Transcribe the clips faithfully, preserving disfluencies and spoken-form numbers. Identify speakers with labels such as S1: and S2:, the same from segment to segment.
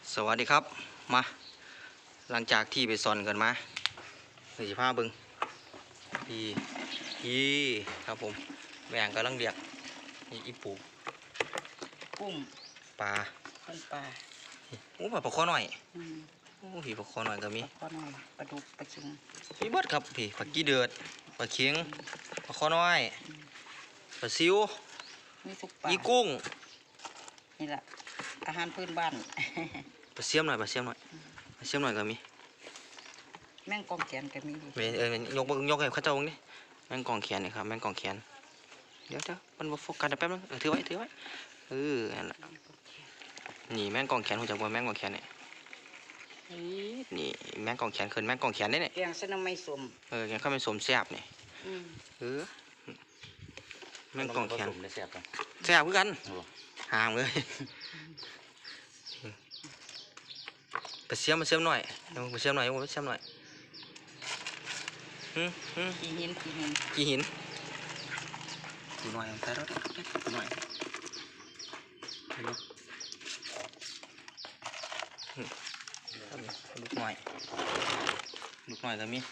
S1: สวัสดีครับมาหลังจากที่ไปซอนกันมาสี่ผ้าบึงพี่พี่ครับผมแบ่งกำลังเรียกนี่อีปู
S2: กุ้ง
S1: ปลา
S2: เป็นปลา
S1: โอ้ปลาปลาข้อหน่อย
S2: อืม
S1: โอ้พี่ปลาข้อหน่อยก็มี
S2: ปลาหน่อยปลาดุกปลาชิง
S1: พี่เบิดครับพี่ปลากี้เดือดปลาเค็งปลาข้อน้อยปลาซิว
S2: มีทุกปลา
S1: อีกุ้ง
S2: นี่แหละอาหารพื้นบ้าน
S1: ปลาเสียมหน่อยปลาเสียมหน่อยปลาเสียมหน่อยก็มี
S2: แมงกองแขนก็มีดิ
S1: เออเออยกเบิ่งยกให้เข้าเจ้าเบิ่งนี่แม่งกองแขนนี่ครับแม่งกองแขนเดี๋ยวเดี๋ยวมันบ่โฟกัสเดี๋ยวแป๊บนึงเออถือไว้ถือไว้เออนั่นแหละนี่แม่งกองแขนหูจักบ่แม่งกองแขนนี่นี่แม่งกองแขนขึ้นแม่งกองแขนได้เนี่ย
S2: แกงเส้นน้ำไม่สม
S1: เออแกงข้าวเป็นสมแซ่บนี่
S2: อืม
S1: เออแม่งกองแขน
S3: ได้แซ่บกัน
S1: แซ่บคือกันห่างเลยไปเสียมมาเสียมหน่อยเดี๋ยวไปเสียมหน่อยไปเสียมหน่อยฮึฮึ
S2: ขี้หินขี้หิน
S1: กี่หินกี่หน่อยแต่เราได้กี่หน่อยลูกหน่อยลูกหน่อยก็มี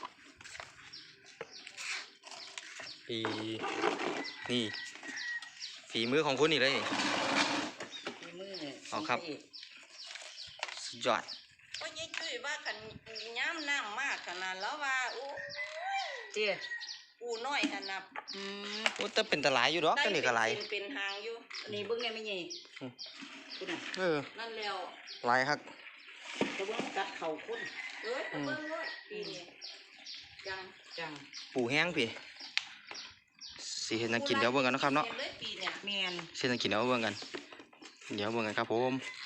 S1: ปีนี่ฝีมือของคุณนี่เลย
S2: ขี้มือ
S1: เอาครับ สุดยอด
S4: ก็ยิ่งคุยว่ากันย้ำน้ำมากขนาดแล้วว่าอู้
S2: เจี๊ย
S4: ปูน้อยขนาด
S2: อืม
S1: โอ้แต่เป็นตะไลอยู่ดอกก็นี่ก็ไหล
S4: เป็นเป็นหางอยู่
S2: อันนี้เบิ้งไงไม่ใหญ่คุณน่ะ
S1: เออ
S4: นั่นแล้ว
S1: ไหลครับ
S2: จะเบิ้งกัดเข่าคุณ
S4: เอ้ยเบิ่งด้วยปีนี้จัง
S2: จัง
S1: ปูแห้งพี่สิเห็นนักกินเดี๋ยวเบิ่งกันนะครับเนาะ
S4: ห็เลยปีเนี่ย
S2: แมน
S1: สิเห็นนักกินเดี๋ยวเบิ่งกันเดี๋ยวเบิ่งกันครับผม